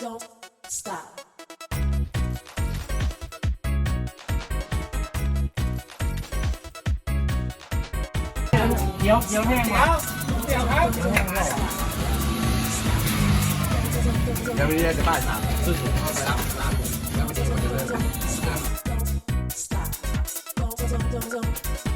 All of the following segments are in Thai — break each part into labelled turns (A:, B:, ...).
A: Don't stop.
B: เดี๋ยวแห้งแล้วเดี๋ยวครับยังไม่ได้จะบ้านสามสุดๆไปรับยังไม่ได้เลย
A: Stop. Don't.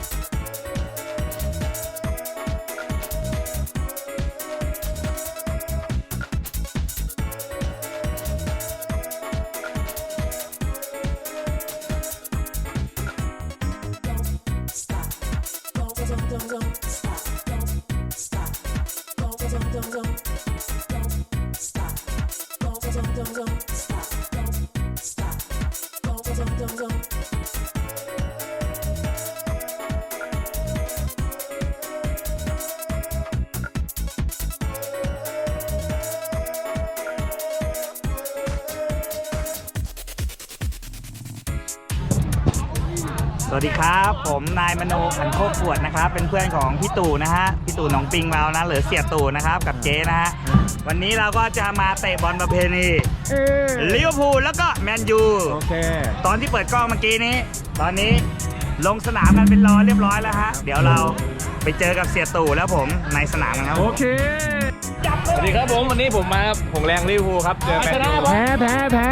C: สวัสดีครับผมนายมโนขันโคกขวดนะครับเป็นเพื่อนของพี่ตู่นะฮะพี่ตู่หนองปิงเรานะหรือเสียตู่นะครับกับเจ๊นะฮะวันนี้เราก็จะมาเตะบอลประเพณีลิเวอร์พูลแล้วก็แมนยูโอเคตอนที่เปิดกล้องเมื่อกี้นี้ตอนนี้ลงสนามกันเป็นเรียบร้อยแล้วฮะเดี๋ยวเราไปเจอกับเสียตู่แล้วผมในสนามกันครับโอเค
D: สวัสดีครับผมวันนี้ผมมาผงแรงลิเวอร์พูลครับเจอแมนยู
C: แพ้
D: ชนะแพ้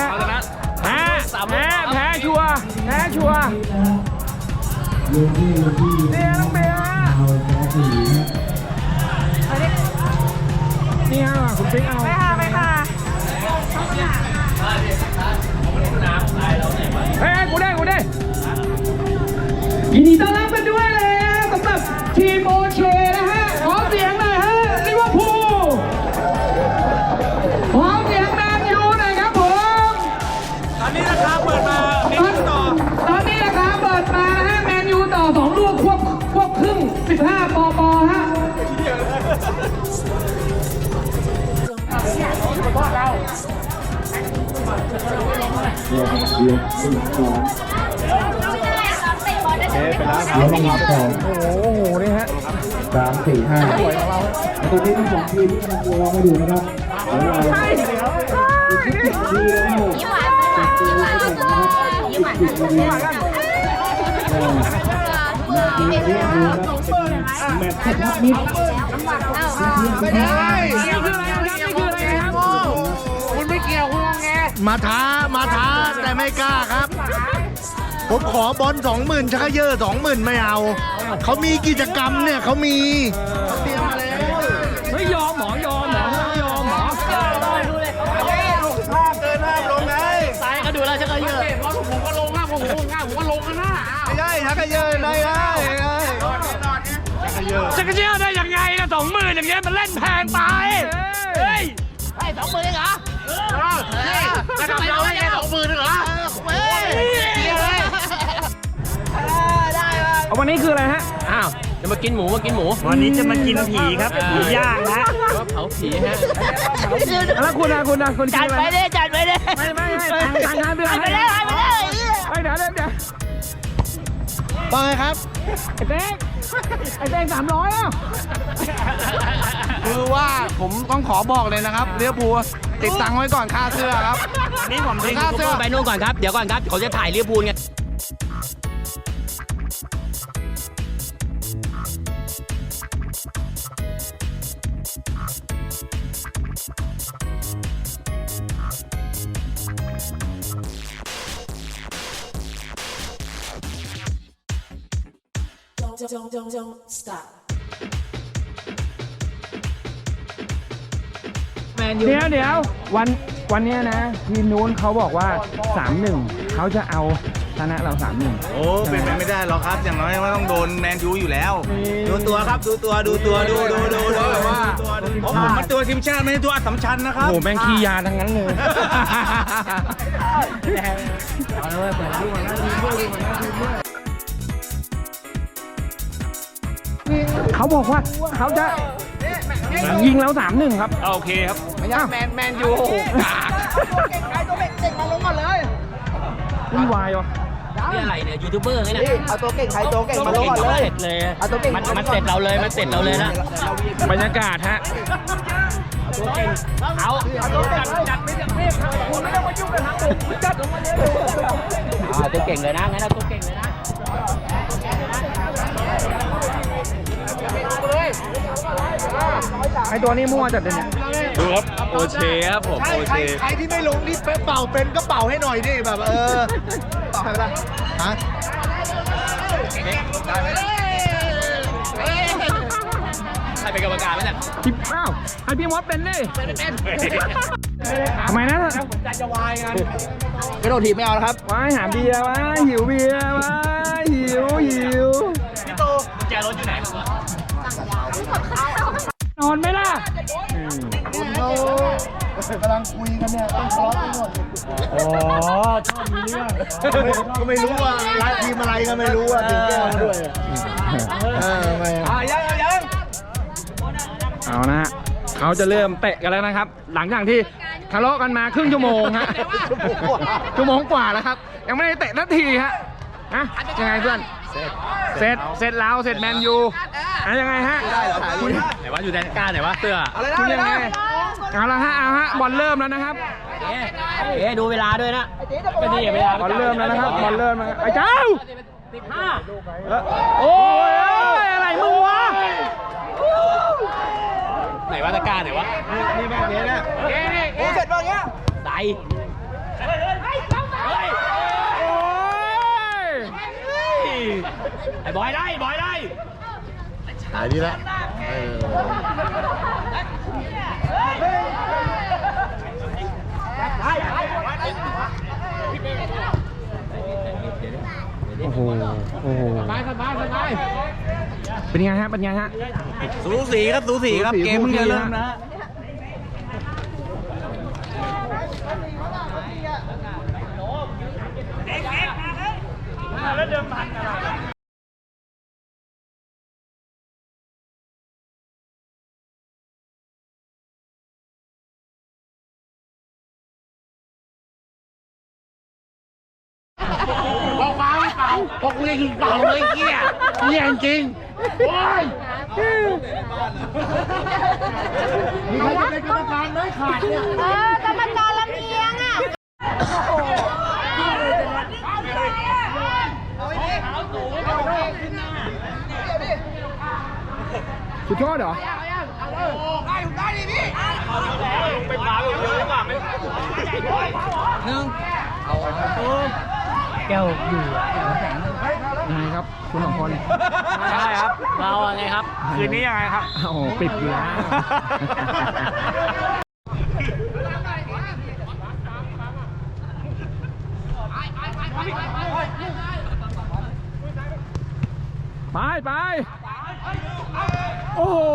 D: ชัวร์เนี่ยน้องเบียร์นี่ฮะคุณปิ๊กเอาไม่ค่ะเฮ้ยกูได้ยินดีต้อนรับกันด้วยเลยนะสำหรับทีมโอเคนะฮะขอเสียงหน่อยฮะลิเวอร์พูลขอเสียงแมนยูหน่อยครับผมตอนนี้ราคาเปิดมาตอนนี้ราคาเปิดมานะฮะแมนยูต่อ2ลูกควบครึ่ง15ปฮะ
B: เอาลงมาก่อน
D: โอ้โหนี่ฮะ
B: 3 4 5ตัวนี้ทั้ง2ทีมที่กำลังรอมาอยู่นะครับเดี๋ยวเราดีแล้วแมตช์ทับมิดไม่ได้คุณไม่เกี่ยวคุณไงมาท้าแต่ไม่กล้าครับผมขอบอล 20,000 ชักเยอะ 20,000 ไม่เอาเขามีกิจกรรมเนี่ยเขามีเขาเตรียมมาแล้ว
D: ไม่ยอมหมอยอมหมอดูเลย
B: เกินห้ามลงไง
D: สายก็ดูแล้วชักเยอะผมก็ลงนะผมก็ลงกันนะ
B: ไม่ได้ชักเยอะได้
D: ชักเยอะได้ยังไงนะ20,000อย่างเงี้ยมันเล่นแพงไปเฮ้ยให้20,000เหรอจะทำเราได้แค่20,000เหรอวันนี้คืออะไรฮะอ้าวจะมากินหมู
C: วันนี้จะมากินผีครับผีย่างนะ
D: เผาผีฮะแล้วคุณจัดไปดิไม่ทางงานไปเลยเดี๋ยว
B: ไปครับ
D: ไอ้เต้ง300อ่ะ
B: คือว่าผมต้องขอบอกเลยนะครับลิเวอร์พูลติดตังค์ไว้ก่อนค่าเสื้อครับ
C: นี่ผมทิ้ง
D: ค่าเสื้อไปนู่นก่อนครับเดี๋ยวก่อนครับเขาจะถ่ายลิเวอร์พูลไง
A: Don't stop.
D: เดี๋ยววันนี้นะทีมนู้นเขาบอกว่า 3-1เขาจะเอาชนะเรา 3-1
B: โอ้เป็นไปไม่ได้หรอกครับอย่างน้อยว่าต้องโดนแมนยูอยู่แล้วดูตัวครับดูว่าผมมันตัวทีมชาติไม่ใช่ตัวอัศมชัญนะครับ
D: โอ้แม่งขี้ยาทั้งนั้นเลยเอาเลยเปิดดูมันนะเขาบอกว่าเขาจะยิงแล้ว 3-1 ครับโอเคครับไม่ยากแมนยูกากตัวเก่งมาลงก่อนเลยวุ่นวายวะนี่อะไรเนี่ยยูทูบเบอร์ไงเนี่ย
B: เอาตัวเก่งใครตัวเก่งมาลงก่อนเลย
D: เสร็จเลยเอาตัวเก่งมันเสร็จเราเลยนะบรรยากาศฮะ
E: ตัวเก่งเลยนะงั้นเอาตัวเก่งเลยนะ
D: ไอตัวนี้มั่วจัดเลยเนี่ย
F: ดูครับโอเชครับผมโอเช
B: ใครที่ไม่ลงนี่เป่าเป็นก็เป่าให้หน่อยดิแบบเป่าให้ละฮะ
F: ใครเป็นกรรมการไหมเนี่ย
D: พี่อ้าวให้พี่มดเป็นดิทำไมนะ
E: กระโดดถีบไม่เอาแล้วครับ
D: ว้ายหาเบียร์ว้ายหิวเบียร์ว้ายหิวนอนไหมล่ะ
B: คุณเขากำลังคุยกันเนี่ยต้องทะเลาะกันหมด
C: อ๋อชอบมีเรื่อง
B: ก็ไม่รู้ว่าร้านทีมอะไรก็ไม่รู้ว่าถึงแก้วมาด้วยไม่อะ
D: เอานะฮะเขาจะเริ่มเตะกันแล้วนะครับ หลังจากที่ทะเลาะกันมาครึ่งชั่วโมงฮะชั่วโมงกว่าแล้วครับ ยังไม่ได้เตะนาทีฮะนะยังไงเพื่อนเสร็จแล้วเสร็จแมนยูยังไงฮะคุณ
F: ไหนวะอยู่แดนกล้าไหนวะเสื้อ
D: คุณยังไงเอาละฮะบอลเริ่มแล้วนะครับ
E: ดูเวลาด้วยนะก็ดีเวลา
D: บอลเริ่มแล้วนะครับบอลเริ่มแล้วไอ้เจ้าโอ้ยอะไรมึงวะ
F: ไหนวะตะกร้าไหนวะ
B: นี่แม่งเนี่ยนะ
E: โอ้เสร็จแล้วเงี้ยใส่
D: โอ้ย
E: ไอ้บอยได้
B: หายดีละ
D: โอ้โหเป็นไงฮะ
C: สูสีครับเกมเพิ่งจะเริ่มนะ
B: พวกเล่นเป่าเลยเกี้ยเยี่ยจริงโอ้ยมีใครจะเป็นกรรมการไหมขาดเนี่ย
G: กรรมการลำเอียงอ่ะ
D: สุดยอดเหรอแก้วอยู่ยังไงครับคุณสองคน
E: ใช่ครับเราไงครับ
C: คืนนี้ยังไงครับ
D: โอ้โหปิดอยู่แล้วไปโอ้โห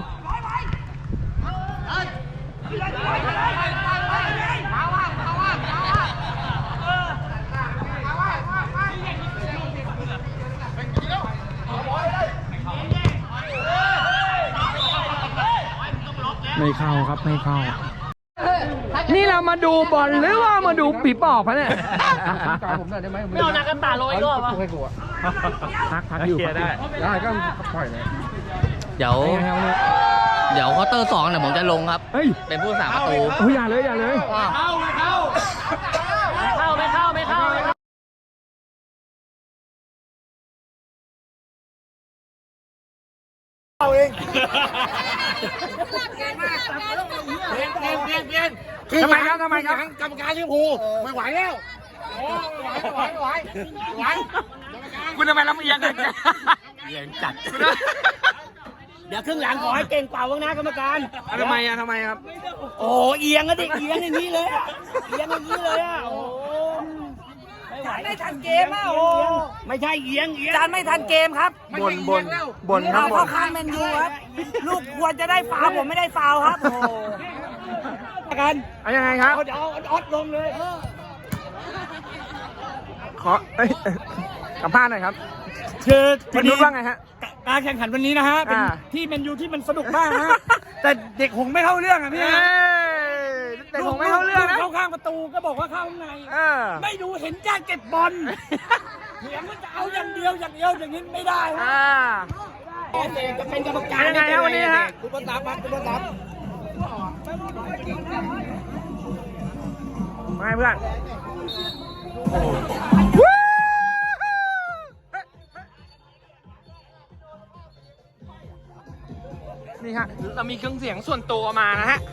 D: ไม่เข้าครับไม่เข้า นี่เรามาดูบอลหรือว่ามาดูปีปอบคะเนี่ยไม่เอานักกันตาลอยก็วะพักอยู่ได้ก็ปล่อยเลย
E: เดี๋ยวควอเตอร์2เนี่ยผมจะลงครับ
D: เฮ้ย
E: เป็นผู้สาประตู
D: โอ้ยอย่าเลย
E: ไม่เข้า
B: เอาเอง
D: ทำไมครับ
B: กรรมการลิเวอร์พูลไม่ไหวแล้วไหว
D: คุณทำไมลำเอียงกัน
E: เอียงจัด เดี๋ยวครึ่งหลังขอให้เก่งเป่าบ้างนะกรรมการ
D: ทำไมครับ
E: โอ้เอียงอะดิเอียงอย่างนี้เลยอะเอียงอย่างนี้เลยอะโอ้ไม่ทันเกมอะโอ้ไม่ใช่เอียงจานไม่ทันเกมครับ
D: บนครับ
E: เข้าข้างแมนยูครับลูกควรจะได้ฟาวผมไม่ได้ฟาวครับโอ้กัน
D: ยังไงครับ
E: เดี๋ยวเอาออดลงเลย
D: ขอสัมภาษณ์หน่อยครับ
E: คือ
D: คุณนุชว่าไงฮะ
E: การแข่งขันวันนี้นะฮะเป็น
D: อ่า
E: ที่แมนยูที่มันสนุกมากฮะแต่เด็กหงไม่เข้าเรื่องอะพี่
D: แต่ผมไม่เข้าเรื่องนะ
E: เข้าข้างประตูก็บอกว่าเข้าข้างใน ไม่ดูเห็นจ้าเก็บบอลเถียงว่าจะเอาอย่างเดียวอย่างนี้ไม่ได้ฮะจะเป็นกรรมการ
D: ยังไงฮะวันนี้ฮะ
E: คุณประตับ
D: ไม่เพื่อนนี่ฮะเรามีเครื่องเสียงส่วนตัวมานะฮะ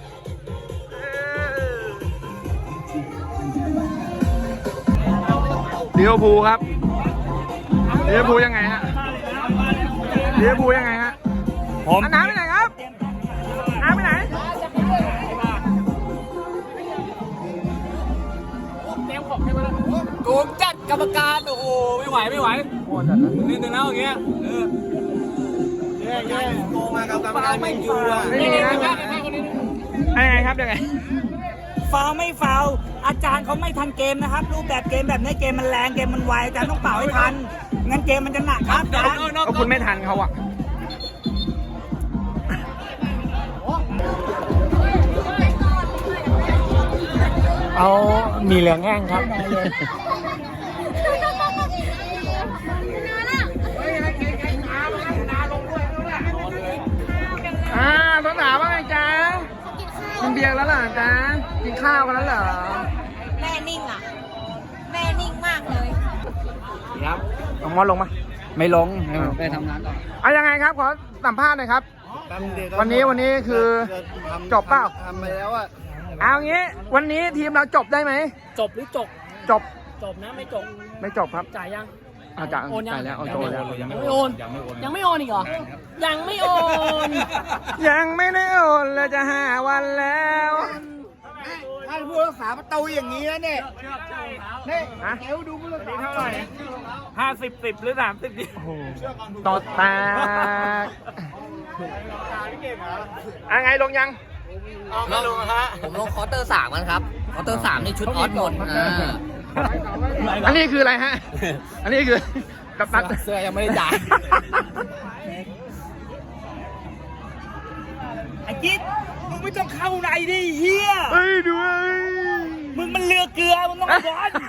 D: ลิเวอร์พูลครับลิเวอร์พูลยังไงฮะลิเวอร์พูลยังไงฮะน้ำไปไหนครับน้ำไปไหน
F: โกงจัดกรรมการโอ้โหไม่ไหวนิดนึงแล้วอย่างเงี้ยโกงมากับกรรมการไม่อยู่อ่ะ
D: นี่นะยังไงครับยังไง
E: ฟาวไม่ฟาวอาจารย์เขาไม่ทันเกมนะครับ รูปแบบเกมแบบนี้เกมมันแรงเกมมันไวอาจารย์ต้องเป่าให้ทันงั้นเกมมันจะหนักครับอาจารย์
D: ก็คุณไม่ทันเขาอะเอามีเหลืองแห้งครับต้นหนาว่าไงจ๊ะกินเบียร์แล้วเหรอจ๊ะกินข้าวกันแล้วเหรอ
G: แม่นิ่งอ่ะ แม่นิ่งมากเลย
D: ครับลงมอลงมาไม่ลงไปทำงานต่อเอายังไงครับขอสัมภาษณ์หน่อยครับวันนี้คือจบเปล่าทำไปแล้วอะเอางี้วันนี้ทีมเราจบได้ไหม
E: จบหรือจบ
D: จบ
E: จบนะไม่จบ
D: ไม่จบครับ
E: จ่ายยัง
D: อาจารย์
E: โอนยัง
D: จ่ายแล้วเอาโจแล้ว
E: ยังไม่โอนยังไม่โอนอีกเหรอยังไม่โอน
D: ยังไม่ได้โอนเลยจะ5 วันแล้ว
B: ท่านผู้รักษาประตูอย่างนี้นะเนี่ยนี่
D: ฮะ
B: เอวดูผู้รักษา
D: เท่าไหร่
E: 50-10 หรือ 30ดิ
D: ต่อแตกไงลงยัง
F: ไม่รู้ฮะผมลงคอร์เตอร์3มันครับคอร์เตอร์3นี่ชุดออสหมด
D: อันนี้คืออะไรฮะ อันนี้คือกัปตัน
F: เสื้อยังไม่ได้จ่าย
E: ไอ้จิ๊ดมึงไม่ต้องเข้าในดิเฮีย
D: เฮ้ยดูเฮ้ย
E: มึงมันเรือเกลือมึงต้องบอล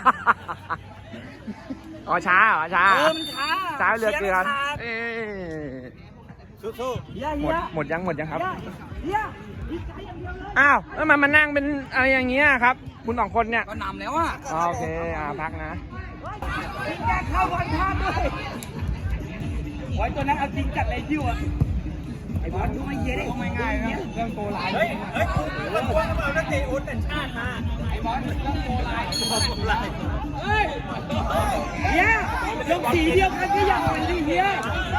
D: อ๋อช้าเหรอช้า
E: มันช้า
D: ช้าเรือเกลือ
E: ชียร์
D: เอ้ย
E: สู้ๆเฮีย
D: หมดยังครับ
E: เฮีย
D: อ้าวแล้วมันนั่งเป็นอะไรอย่างเงี้ยครับ คุณ2 คนเนี่ย
F: ก็นำแล้วอ่ะ
D: โอเคพักนะ
E: จริงจังเข้าบอลพลาดด้วยไว้ตัวนั้นเอาจริงจัดเลยยิ้วอ่ะไอ้บอลดูไม่เย็นไม่ง่ายนะเรื่องโกลายเฮ้ยเรื่องโกลายมานักเตะอุ่นแต่ชาติมาไอ้บอลเรื่องโกลายเฮ้ยเฮียลงสีเดียวกันก็อย่างไรดิเฮีย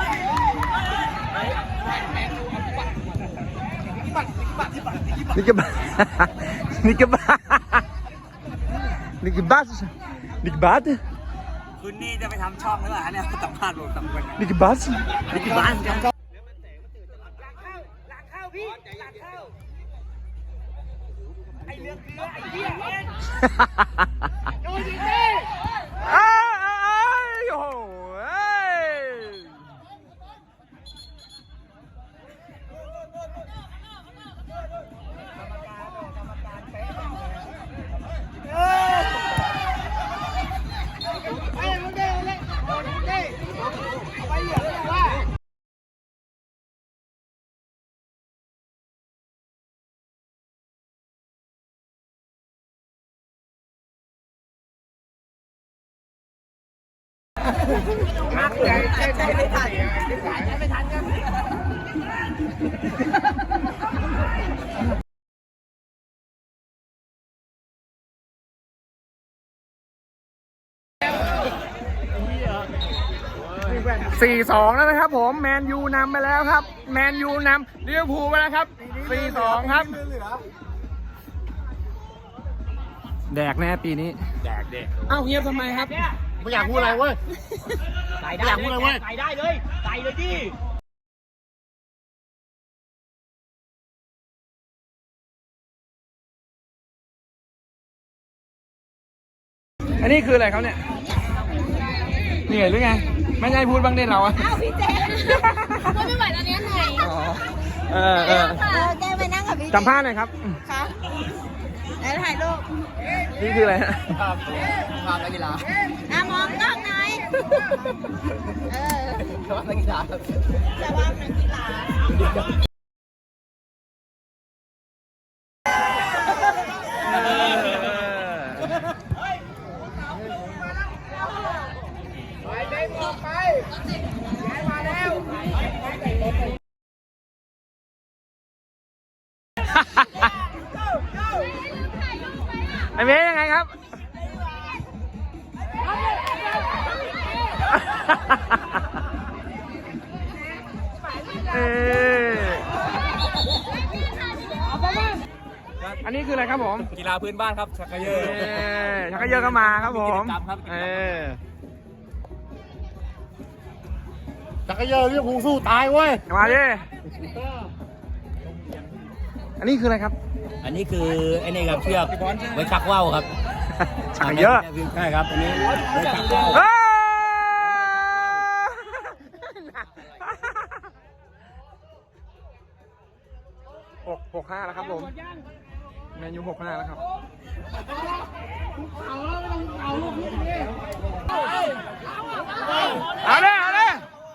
D: นี่ก็บ้านี่ก็บ้านี่ก็บ้านี่ก็บ้า
E: คุณนี่จะไปทำช่องหรือเปล่าเนี่ยสัมภาษณ์ผมสัมภาษณ์
D: นี่ก็บ้า
E: นี่คือบ้านกันหลังเข้าพี่หลังเข้าไอเรือเกลือไอเหี้ยเอ็นโดนยิงดิ
D: โอ้โห
E: ไม่ทันไม่ทันครับ
D: 4-2 แล้วนะครับผมแมนยูนำไปแล้วครับแมนยูนำลิเวอร์พูลไปแล้วครับ 4-2 ครับแดกแน่ปีนี้แดกเอ้าเงียบทำไมครับ
B: ไม่อยากพูดอะไรเว้ย
E: ใส่ได้
B: อยากพูดอะไรเว้ย
E: ใส่ได้เลยใส่เลยดิ
D: อันนี้คืออะไรเขาเนี่ยเหนื่อยหรือไงไม่ใช่พูดบ้างได้เราอะ
G: อ้าวพี่เจก็ไม่ไหวตอนนี้เหนื่อย
D: อ๋อเออ
G: แกไปนั่งกับพี่เจ
D: สัมภาษณ์หน่อยครับ
G: ค่ะแล้วถ่ายรูป
D: นี่คืออะไรฮะ
F: ภาพนักกีฬา
G: มองกล้องหน่อยเออ
F: ภาพนักกีฬา
G: แต่ว่านักกีฬา
D: ไอ้เมย์ยังไงครับ อันนี้คืออะไรครับผม
E: กีฬาพื้นบ้านครับชักกระเยอะ
D: ชักกระเยอะก็มาครับผม
B: จักรยานเรียกภูสู้ตายเว้ย
D: มาดิ อันนี้คืออะไรครับ
F: อันนี้คือไอ้นี่ครับเชือกไว้ชักว่าวครับ
D: ชักกระเยอะ
F: ใช่ครับอันนี้ไว้ชักว่าว
D: 6-5 แล้วครับผมแมนยู6-5 แล้วครับ เอาเลยเอาเลย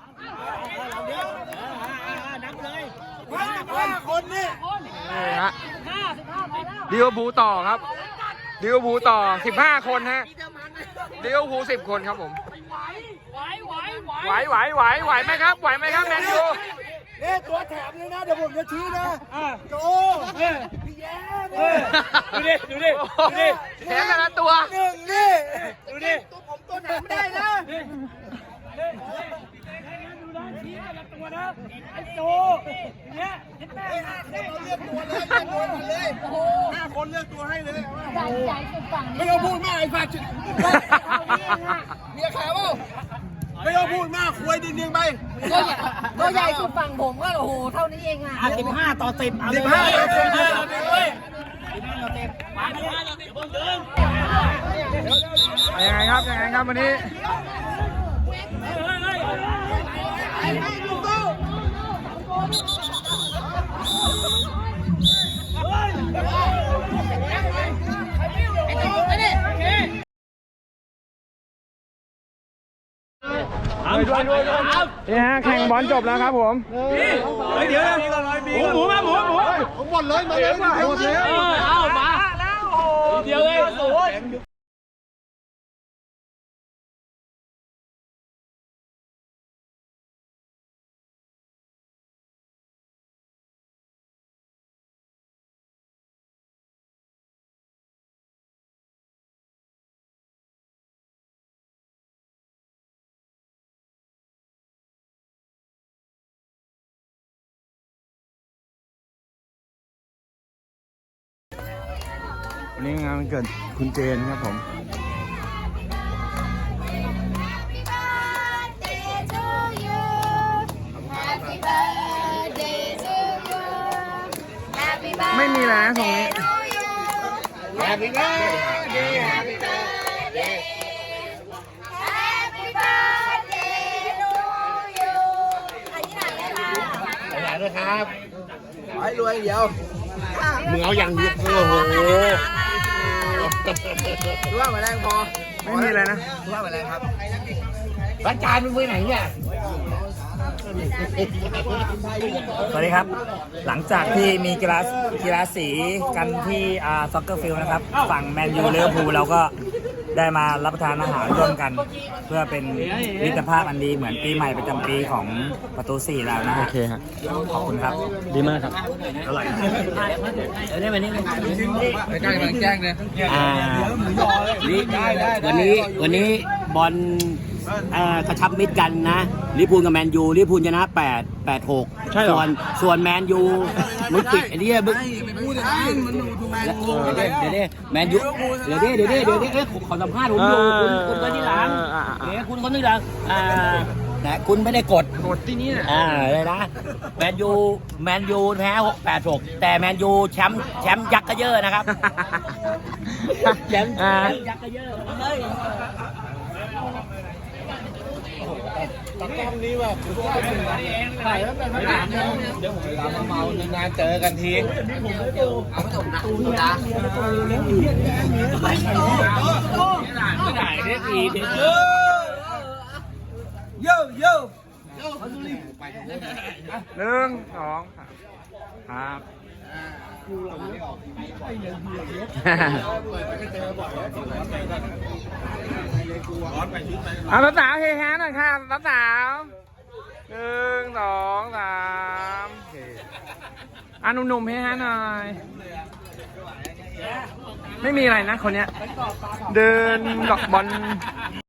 D: นี่ฮะดิวบูต่อครับดิวบูต่อ15 คนฮะดิวบู10 คนครับผมไหวไหมครับไหวไหมครับแมนยู
B: นี่ตัวแถมเลยนะ เดี๋ยวผมจะชี้นะโจพี่แย้
D: ดูดิแถมแต่ละตัว
B: หนึ่งนี่
E: ดูดิ
B: ตัวผมตัวแถมไม่ได้นะ
E: ไอ้โจเนี่ยเห็นไหม
B: เราเลือกตัวเลยเลือกตัวเลย5 คนเลือกตัวให้เลยไม่ต้องพูดมากไอ้ฝาดเมียขาวไม่ต้องพูดมากคุยดิงไป
G: ตัวใหญ่สุดฝั่งผมก็โอ้โหเท่านี้เองอ่ะ
F: 15 ต่อ 10
B: 15
D: ยังไงครับวันนี้นี่ฮะแข่งบอลจบแล้วครับผม
E: เดี๋ยวหมูมา
B: ผมหมดเลยมาเลยมาหมดเลย
E: เอามาเดี๋ยวเลยโอ้ย
D: วันนี้งานวันเกิดคุณเจนครับผม ไม่มีแล้วนะตรงนี้
B: Happy birthday Happy birthday
G: Happy birthday to you
B: ไปไหนด้วยครับขอให้รวยเดียวมึงเอาอย่างเดียวโอ้โหรู้ว่ามาแรงพอ
D: ไม่มีอะไรนะ
B: รู้ว่ามาแรงครับร้านจานมึงไปไหนเนี่ย
C: สวัสดีครับ หลังจากที่มีกีฬาสีกันที่ซ็อกเกอร์ฟิลด์นะครับ ฝั่งแมนยูลิเวอร์พูลเราก็ได้มารับประทานอาหารร่วมกัน เพื่อเป็นมิตรภาพอันดีเหมือนปีใหม่ประจำปีของประตู 4 แล้วนะฮะ
D: โอเคครับ
C: ขอบคุณครับ
D: ดีมากครับ
C: อร่อย
F: ได้มานี่
B: ไม่กล้ากำลังแจ้งเลย
F: วันนี้บอลกระชับมิตรกันนะลิเวอร์พูลกับแมนยูลิเวอร์พูลชนะ8-6
D: ใช่เหรอ
F: ส่วนแมนยูมึงปิดไอ้เนี่ยมึง
B: พูดอย่างนั้นมันดูแมนยู
F: เดี๋ยวแมนยูเดี๋ยวขอสัมภาษณ์ผมอยู่คุณคนที่หลังเดี๋ยวคุณคนที่หลังแต่คุณไม่ได้กด
D: ที่นี่นะ
F: เลยนะแมนยูแพ้8-6แต่แมนยูแชมป์ยักษ์กระเยอะนะครับแชมป์ยักษ์กระเยอะเลย
B: ตอนนี้แบบถ่ายแล้วเป็นไม่ได้เดี๋ยวผมเวลาเมานานเจอกันทีเอาไปส่งนะ
F: ไม่ได้เรียกอีเด็ก
E: โย่
D: 1 2 ครับเอาสาวๆเฮฮาหน่อยค่ะสาวๆ1 2 3โอเคหนุ่มๆให้ฮะหน่อย ไม่มีอะไรนะคนเนี้ย เดินดอกบอล